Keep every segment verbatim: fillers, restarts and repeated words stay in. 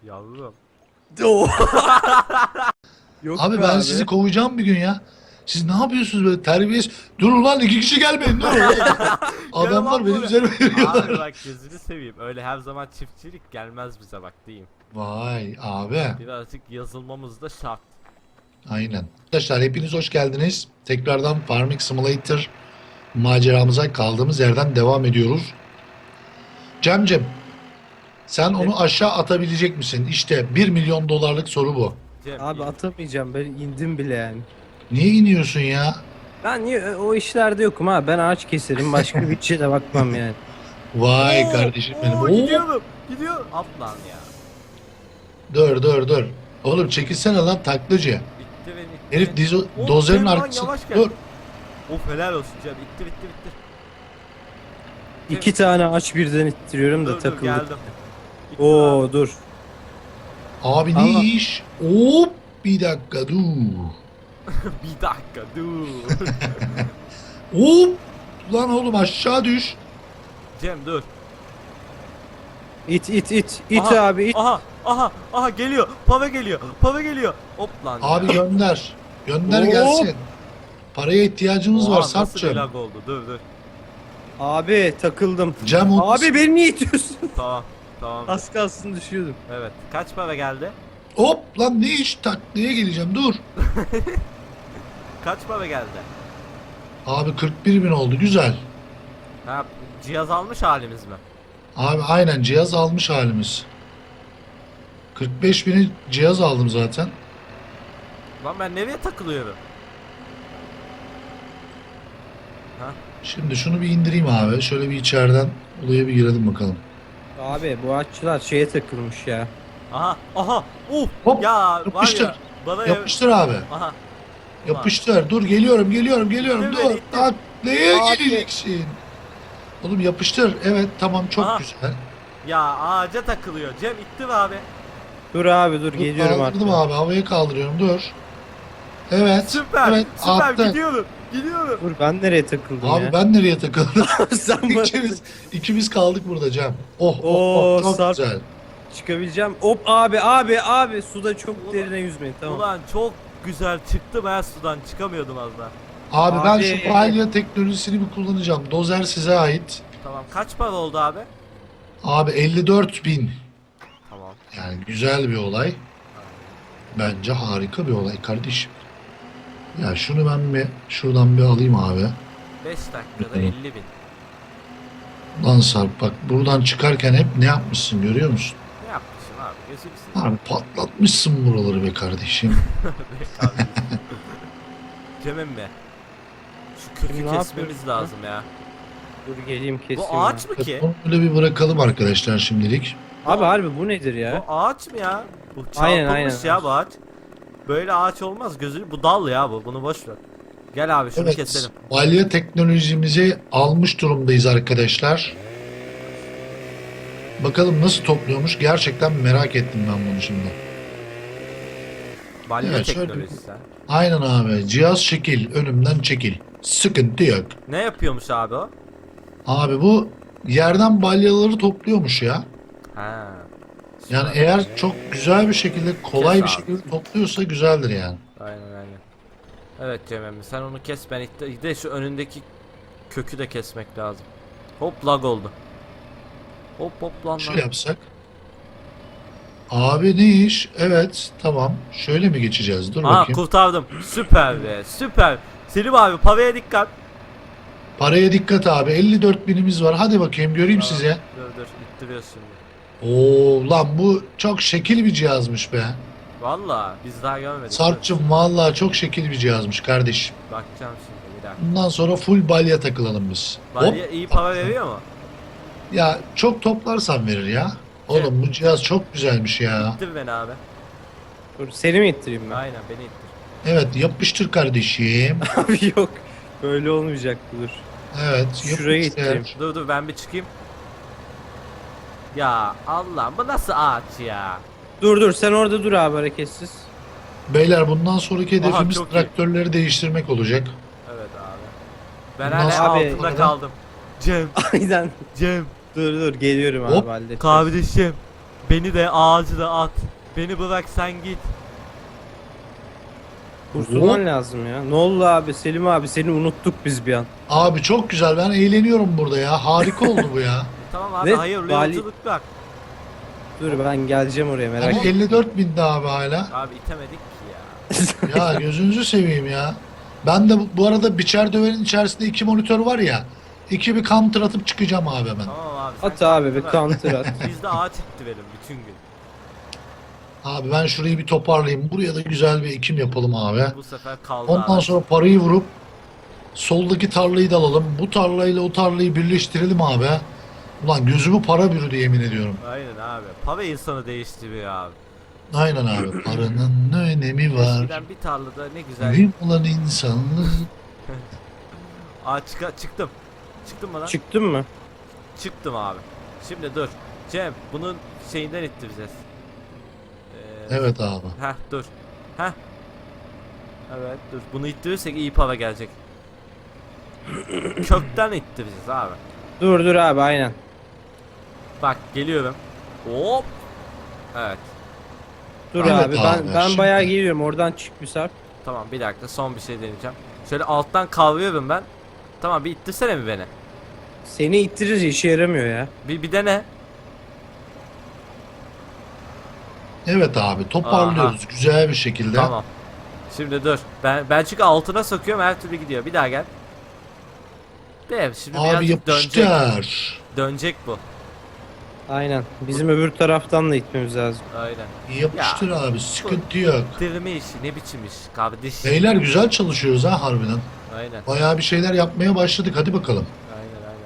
Yavrum. Oo. Yok Abi be ben sizi kovacağım bir gün ya. Siz ne yapıyorsunuz böyle terbiyesiz? Dur ulan iki kişi gelmeyin dur. Adamlar lan benim buraya. üzerime Abi geliyorlar. bak gözünü seveyim. Öyle her zaman çiftçilik gelmez bize bak diyeyim. Vay abi. Birazcık yazılmamız da şart. Aynen. Arkadaşlar hepiniz hoş geldiniz. Tekrardan Farming Simulator maceramıza kaldığımız yerden devam ediyoruz. Cemcem, sen onu aşağı atabilecek misin? İşte bir milyon dolarlık soru bu. Cem, Abi iyi. atamayacağım, ben indim bile yani. Niye iniyorsun ya? Ben niye o işlerde yokum ha, ben ağaç keserim, başka bir şeye de bakmam yani. Vay Oo, kardeşim benim. oo, Oo, gidiyorum. Gidiyor. At lan ya. dur dur dur. Oğlum çekilsene lan taklacı. Bitti ve bitti. Herif dizo, Oo, dozerin Cem lan, arkasında. yavaş gel. Dur. Of helal olsun Cem. Bitti bitti bitti. İki tane ağaç birden ittiriyorum da Dur dur takıldık. geldim. Bitti Oo abi. dur. Abi ne Allah. iş? Hop bir dakika dur. Bir dakika dur. Hop. Lan oğlum aşağı düş. Cem dur. İt it it it Aha, abi it. Aha aha aha geliyor. Pave geliyor. Pave geliyor. Hop lan. Abi ya. gönder. Gönder Hop. gelsin. Paraya ihtiyacımız Oha, var nasıl bir Sarp'cığım. lag oldu? Dur dur. Abi takıldım. Cem o- Abi beni niye itiyorsun? Tamam. Tamam. Az kalsın düşüyordum. Evet. Kaç para geldi? Hop lan ne iş taklaya geleceğim dur. Kaç para geldi? Abi kırk bir bin oldu güzel. Ha, cihaz almış halimiz mi? Abi aynen cihaz almış halimiz. kırk beş bini cihaz aldım zaten. Lan ben nereye takılıyorum? Ha? Şimdi şunu bir indireyim abi. Şöyle bir içeriden olaya bir girelim bakalım. Abi bu ağaççılar şeye takılmış ya. Aha aha. Uf. Hop, Ya yapıştır. var ya. Bana Yapıştır abi. Aha. Yapıştır. Dur geliyorum geliyorum geliyorum. İttir Dur. beni, ittir. Taklaya Abi. gireceksin. Oğlum yapıştır. Evet tamam çok Aha. güzel. Ya ağaca takılıyor. Cem itti mi abi? Dur abi dur Dur, geliyorum artık. kaldırdım abi havaya kaldırıyorum dur. Evet. Süper. Evet Süper attı. gidiyorum. Gidiyorum. Dur ben nereye takıldım Abi ya? ben nereye takıldım? Sen bana ikimiz, ikimiz kaldık burada Cem. Oh oh, Oo, oh çok Sarp. güzel. çıkabileceğim. Hop abi abi abi suda çok derine yüzmeyin tamam. Ulan çok güzel çıktı ben sudan çıkamıyordum az daha. Abi, ben Abi. şu balya teknolojisini bir kullanacağım. Dozer size ait. Tamam kaç para oldu abi? Abi elli dört bin. Tamam. Yani güzel bir olay. Bence harika bir olay kardeşim. Ya şunu ben bir şuradan bir alayım abi. beş dakikada Hı. elli bin. Lan Sarp bak buradan çıkarken hep ne yapmışsın görüyor musun? Ne yapmışsın abi? Gözünü seveyim. Abi patlatmışsın buraları be kardeşim. Be kardeşim. Cem'im be. Şu kökü Şimdi ne kesmemiz yapıyoruz lazım ya. Dur geleyim kesiyorum. Bu ağaç mı ki? Onu böyle bir bırakalım arkadaşlar şimdilik. Abi harbi bu nedir ya? Bu ağaç mı ya? Bu çarpılmış Aynen, aynen. ya bu ağaç. Böyle ağaç olmaz gözünü. Bu dal ya bu. Bunu boş ver. Gel abi şunu Evet, keselim. balya teknolojimizi almış durumdayız arkadaşlar. Bakalım nasıl topluyormuş gerçekten merak ettim ben bunu şimdi. Balya Evet, şöyle- teknolojisi. ha. Aynen abi cihaz çekil önümden çekil. Sıkıntı yok. Ne yapıyormuş abi o? Abi bu yerden balyaları topluyormuş ya. Ha. Yani eğer çok güzel bir şekilde kolay Kes bir abi. şekilde topluyorsa güzeldir yani. Aynen aynen. Evet Cem emmi sen onu kes ben itte- bir de şu önündeki kökü de kesmek lazım. Hop lag oldu. Hop hop lan Şöyle lan. yapsak. Abi ne iş? Evet tamam. Şöyle mi geçeceğiz? Dur Aa bakayım. kurtardım. Süper be süper. Selim abi paveye dikkat. Paraya dikkat abi. elli dört binimiz var. Hadi bakayım göreyim Tamam, size. Dur dur ittiriyoruz şimdi. Oo lan bu çok şekil bir cihazmış be. Valla biz daha görmedik. Sarp'cığım vallahi çok şekil bir cihazmış kardeşim. Bakacağım şimdi bir dakika. Bundan sonra full balya takılalım biz. Hop. Balya iyi para veriyor mu? Ya çok toplarsan verir ya. Oğlum bu cihaz çok güzelmiş ya. İttir beni abi. Dur seni mi ittireyim ben? Aynen beni ittir. Evet yapıştır kardeşim. Abi yok. Böyle olmayacak dur. Evet Şuraya yapıştır. ittireyim. Dur dur ben bir çıkayım. Ya Allah bu nasıl ağaç ya? Dur dur sen orada dur abi hareketsiz. Beyler bundan sonraki Aha, hedefimiz çok iyi. traktörleri değiştirmek olacak. Evet abi. Ben Bundan hala sonra- altında Abi- kaldım. Cem, Aynen. Cem, Dur dur geliyorum Hop, abi halledeceğiz. kardeşim. beni de ağacı da at. Beni bırak sen git. Kurtulman lazım ya. Ne oldu abi Selim abi, seni unuttuk biz bir an. Abi çok güzel, ben eğleniyorum burada ya. Harika oldu bu ya. E, tamam abi Ve hayırlı vali- yolculuklar. Dur ben geleceğim oraya, merak Ama etme. elli dört bindi abi hala. Abi itemedik ki ya. Ya gözünüzü seveyim ya. Ben de bu, bu arada biçer döverin içerisinde iki monitör var ya. İki bir counter atıp çıkacağım abi hemen. Tamam abi. sen At abi bir bırak. counter at. Biz de ağaç itti verin bütün gün. Abi ben şurayı bir toparlayayım. Buraya da güzel bir ekim yapalım abi. Bu sefer kaldı Ondan abi. sonra parayı vurup soldaki tarlayı da alalım. Bu tarlayla o tarlayı birleştirelim abi. Ulan gözümü para bürüdü yemin ediyorum. Aynen abi. Para insanı değiştiriyor abi. Aynen abi. Paranın ne önemi var? Eskiden bir tarlada ne güzel. Mühim olan insanlık. Aa çık çıktım. Çıktım mı lan? Çıktın mı? Çıktım abi. Şimdi dur. Cem bunun şeyinden ittireceğiz. Ee, Evet abi. Heh dur. Heh. Evet dur. Bunu ittirirsek iyi para gelecek. Kökten ittireceğiz abi. Dur dur abi, aynen. Bak geliyorum. Hop. Evet. Dur Evet abi, abi, ben ben şimdi- bayağı geliyorum, oradan çık bir sarp. Tamam bir dakika son bir şey deneyeceğim. Şöyle alttan kavruyorum ben. Tamam bir ittirsene mi beni? Seni ittirir, işe yaramıyor ya. Bir, bir dene. Evet abi toparlıyoruz güzel bir şekilde. Tamam. Şimdi dur. Ben ben çünkü altına sokuyorum her türlü gidiyor. Bir daha gel. De şimdi Abi birazcık dönecek. yapıştır. Dönecek bu. Aynen. Bizim öbür taraftan da itmemiz lazım. Aynen. Yapıştır abi sıkıntı yok. Dirme işi ne biçim iş kardeş. Beyler güzel çalışıyoruz ha harbiden. Aynen. Bayağı bir şeyler yapmaya başladık hadi bakalım. Aynen aynen.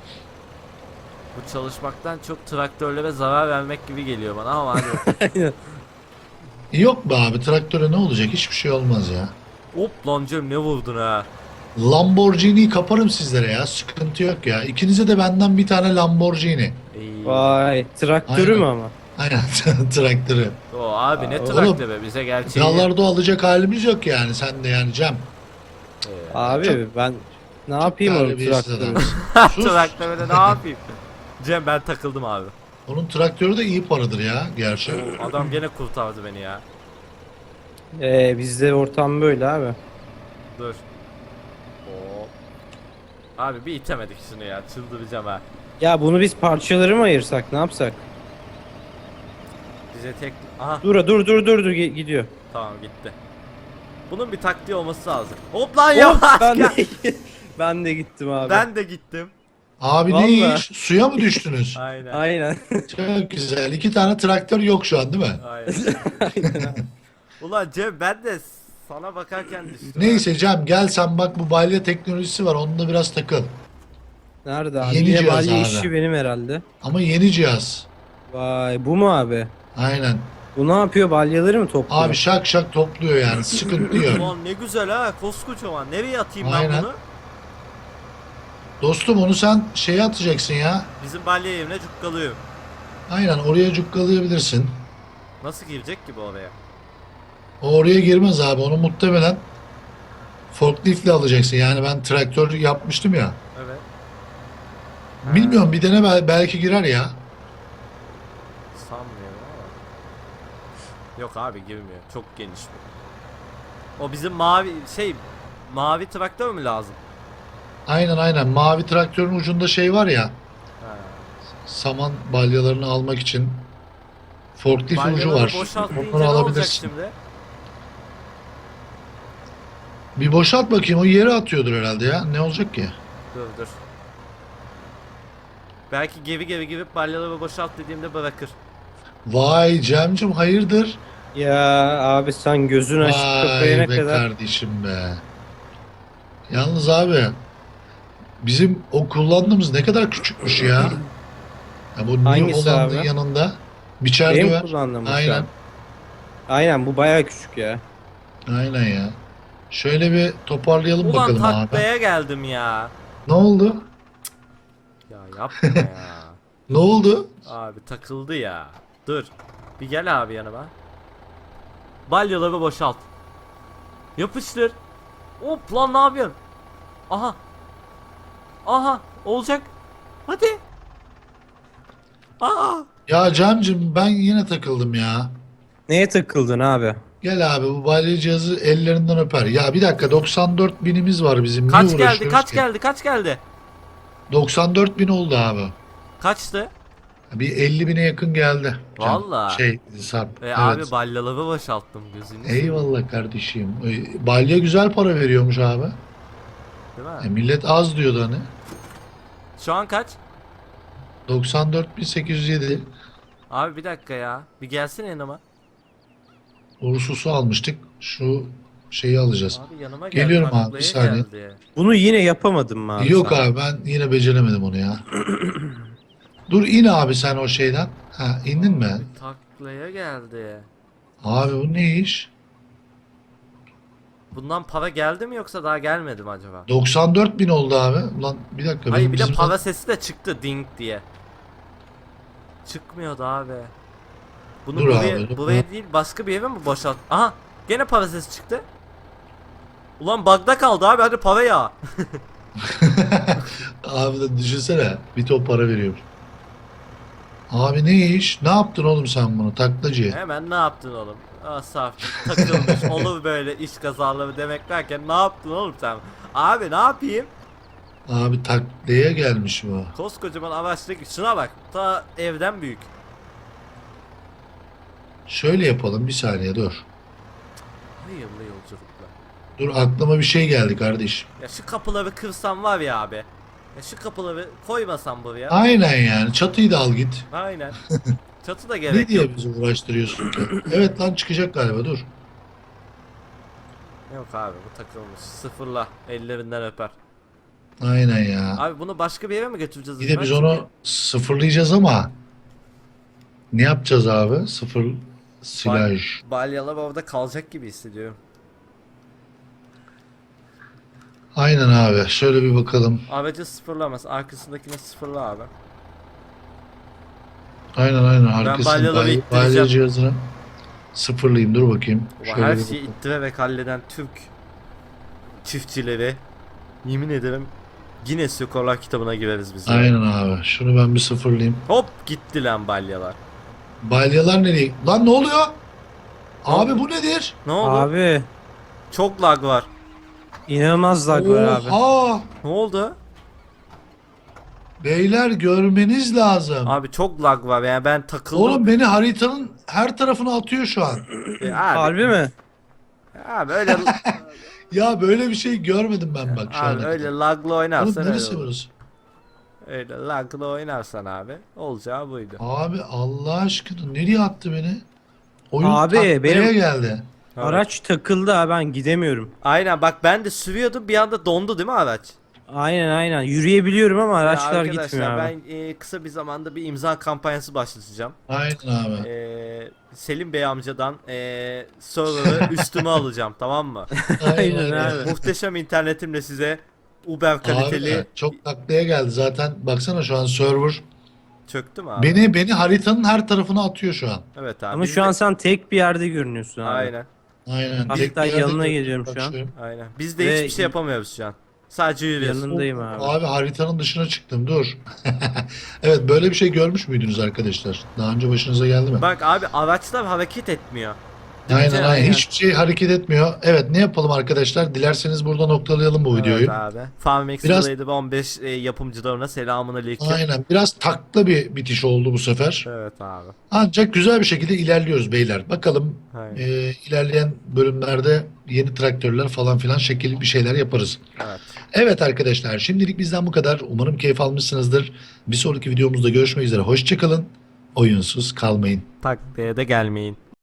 Bu çalışmaktan çok traktörlere zarar vermek gibi geliyor bana ama hadi. Aynen. Yok be abi traktöre ne olacak hiçbir şey olmaz ya. Hop lan Cem ne vurdun ha. Lamborghini'yi kaparım sizlere ya sıkıntı yok ya. İkinize de benden bir tane Lamborghini. İyi. Vay, traktörü Aynen. mü ama? Aynen traktörü. O abi ne Aa, traktörü bize gerçeği. Dağlarda alacak halimiz yok yani sen de yani Cem. Ee, Abi ben ne yapayım o Terbiyesiz traktörü? adamsın. Sus. traktörde ne yapayım? Cem ben takıldım abi. Onun traktörü de iyi paradır ya gerçi. Adam gene kurtardı beni ya. Ee, bizde ortam böyle abi. Dur. Hop. Abi bir itemedik şunu ya çıldıracağım ha. Ya bunu biz parçaları mı ayırsak, ne yapsak? Bize tek... Aha Dur dur dur dur dur, gi- gidiyor. tamam gitti. Bunun bir taktiği olması lazım. Hop lan Hop, yavaş ben gel. de, ben de gittim abi. Ben de gittim. Abi ne Vallahi. iş? Suya mı düştünüz? Aynen. Aynen. Çok güzel. İki tane traktör yok şu an değil mi? Aynen. Ulan Cem ben de sana bakarken düştüm. Neyse Cem gel sen bak bu balya teknolojisi var onunla biraz takıl. Nerede abi? Yeni Yine cihaz balya abi. işi benim herhalde. Ama yeni cihaz. Vay, bu mu abi? Aynen. Bu ne yapıyor? Balyaları mı topluyor? Abi şak şak topluyor yani sıkıntı yok. Ulan ne güzel ha koskocaman. Nereye atayım ben Aynen. bunu? Dostum onu sen şeye atacaksın ya. Bizim balya yerine cukkalıyorum. Aynen oraya cukkalayabilirsin. Nasıl girecek ki bu oraya? O oraya girmez abi onu muhtemelen forkliftle alacaksın. Yani ben traktör yapmıştım ya. Evet. Bilmiyorum bir dene bel- belki girer ya. Sanmıyorum ama. Yok abi girmiyor. Çok geniş bu. O bizim mavi şey mavi traktör mü lazım? Aynen aynen mavi traktörün ucunda şey var ya. Ha. Saman balyalarını almak için forklift ucu Balyaları var. boşaltmayınca Onları ne olacak alabilirsin. şimdi? Bir boşalt bakayım o yere atıyordur herhalde ya. Ne olacak ki? Dur dur. Belki geri geri girip balyaları boşalt dediğimde bırakır. Vay Cemcim hayırdır? Ya abi sen gözün açıp kapayana Vay be kadar. kardeşim be. Yalnız abi bizim o kullandığımız ne kadar küçükmüş ya. Ya bu New Hangisi Holland'ın abi? yanında biçer Benim döver. kullandığım bu şu Aynen. an. Aynen, bu bayağı küçük ya. Aynen ya. Şöyle bir toparlayalım Ulan bakalım abi. taklaya geldim ya. Ne oldu? Ya yapma ya. Ne oldu? Abi takıldı ya. Dur. Bir gel abi yanıma. Balyaları boşalt. Yapıştır. Hop lan ne yapıyorsun? Aha. Aha olacak. Hadi. Aa. Ya Cem'cim ben yine takıldım ya. Neye takıldın abi? Gel abi bu balya cihazı ellerinden öper. Ya bir dakika doksan dört binimiz var bizim. Niye Kaç geldi? uğraşıyoruz Kaç ki? geldi? Kaç geldi? doksan dört bin oldu abi. Kaçtı? Bir elli bine yakın geldi. Cem. Vallahi. Şey Sarp. E evet. abi balyaları boşalttım gözünü. seveyim. Eyvallah kardeşim. Ee, Balya güzel para veriyormuş abi. Değil E, mi? millet az diyordu hani. Şu an kaç? doksan dört bin sekiz yüz yedi. Abi bir dakika ya. Bir gelsene yanıma. Ursus'u almıştık. Şu şeyi alacağız. Abi yanıma gel. Geliyorum abi, taklaya bir saniye. geldi. Bunu yine yapamadın mı abi? Yok sen? abi ben yine beceremedim onu ya. Dur in abi sen o şeyden. Ha indin mi? Abi taklaya geldi. Abi bu ne iş? Bundan para geldi mi yoksa daha gelmedi mi acaba? doksan dört bin oldu abi. Ulan bir dakika. Hayır benim bir de bizim- para sesi de çıktı ding diye. Çıkmıyordu abi. Bunu Dur buraya, abi, dur. buraya değil başka bir eve mi boşalt? Aha gene para sesi çıktı. Ulan bug'da kaldı abi hadi para ya. Abi de düşünsene. Bir top para veriyor. Abi ne iş? Ne yaptın oğlum sen bunu taklacı? Hemen ne yaptın oğlum? Ah saf takılmış olur böyle iş kazaları demek derken ne yaptın oğlum sen? Abi ne yapayım? Abi taklaya gelmiş bu. Koskocaman araçtaki şuna bak ta evden büyük. Şöyle yapalım bir saniye dur. Hayırlı yolculuklar. Dur aklıma bir şey geldi kardeşim. Ya şu kapıları kırsam var ya abi. Ya şu kapıları koymasam buraya. Aynen yani çatıyı da al git. Aynen. Çatı da Ne gerek yok. diye bizi uğraştırıyorsun ki? Evet lan çıkacak galiba dur. Yok abi bu takılmış. Sıfırla ellerinden öper. Aynen ya. Abi bunu başka bir yere mi götüreceğiz? Bir de ben? biz Çünkü onu sıfırlayacağız ama ne yapacağız abi? Sıfır silaj. balyalar orada kalacak gibi hissediyorum. Aynen abi. Şöyle bir bakalım. Aracı sıfırlamaz. Arkasındakini sıfırla abi. Aynen aynen. Arkasını balyaları balya, ittireceğim. balya cihazını sıfırlayayım. Dur bakayım. Ulan Şöyle her bir şeyi bakalım. ittirerek halleden Türk çiftçileri yemin ederim Guinness Rekorlar kitabına gireriz biz. ya. Aynen abi. Şunu ben bir sıfırlayayım. Hop gitti lan balyalar. Balyalar nereye? Lan ne oluyor? Abi bu nedir? Ne oldu? Abi Çok lag var. inanılmaz lag var abi. Oha! Ne oldu? Beyler görmeniz lazım. Abi çok lag var yani ben takıldım. Oğlum beni haritanın her tarafına atıyor şu an. E, abi, Harbi mi? abi öyle Ya böyle bir şey görmedim ben bak şu abi an. öyle lagla Oğlum oynarsan öyle neresi olur. burası? Öyle lagla oynarsan abi olacağı buydu. Abi Allah aşkına nereye attı beni? Oyun Abi, taklaya benim- geldi. Evet. Araç takıldı ha, ben gidemiyorum. Aynen bak ben de sürüyordum bir anda dondu değil mi araç? Aynen aynen. Yürüyebiliyorum ama Ya araçlar arkadaşlar, gitmiyor abi. ben e, kısa bir zamanda bir imza kampanyası başlatacağım. Aynen abi. E, Selim Bey amcadan e, server'ı üstüme alacağım tamam mı? Aynen abi. Muhteşem internetimle size Uber kaliteli Abi çok taklaya geldi zaten. Baksana şu an server çöktü mü abi? beni beni haritanın her tarafına atıyor şu an. Evet abi. Ama biz şu de- an sen tek bir yerde görünüyorsun abi. Aynen. Aynen. Hatta tek bir yerde yanına görüyorum, geliyorum şu an. bakıyorum. Aynen. Biz de Ve- hiçbir şey yapamıyoruz şu an. Sadece yürüyoruz. Yanındayım abi. Abi haritanın dışına çıktım dur. Evet böyle bir şey görmüş müydünüz arkadaşlar? Daha önce başınıza geldi mi? Bak abi araçlar hareket etmiyor. Aynen Değil mi? aynen. Hiçbir şey hareket etmiyor. Evet ne yapalım arkadaşlar? Dilerseniz burada noktalayalım bu videoyu. Evet abi. Farming Biraz- Simulator on beş e, yapımcılarına selamun aleyküm. Aynen. Biraz takla bir bitiş oldu bu sefer. Evet abi. Ancak güzel bir şekilde ilerliyoruz beyler. Bakalım Aynen. e, ilerleyen bölümlerde yeni traktörler falan filan şekil bir şeyler yaparız. Evet. Evet arkadaşlar şimdilik bizden bu kadar. Umarım keyif almışsınızdır. Bir sonraki videomuzda görüşmek üzere. Hoşçakalın. Oyunsuz kalmayın. Taklaya da gelmeyin.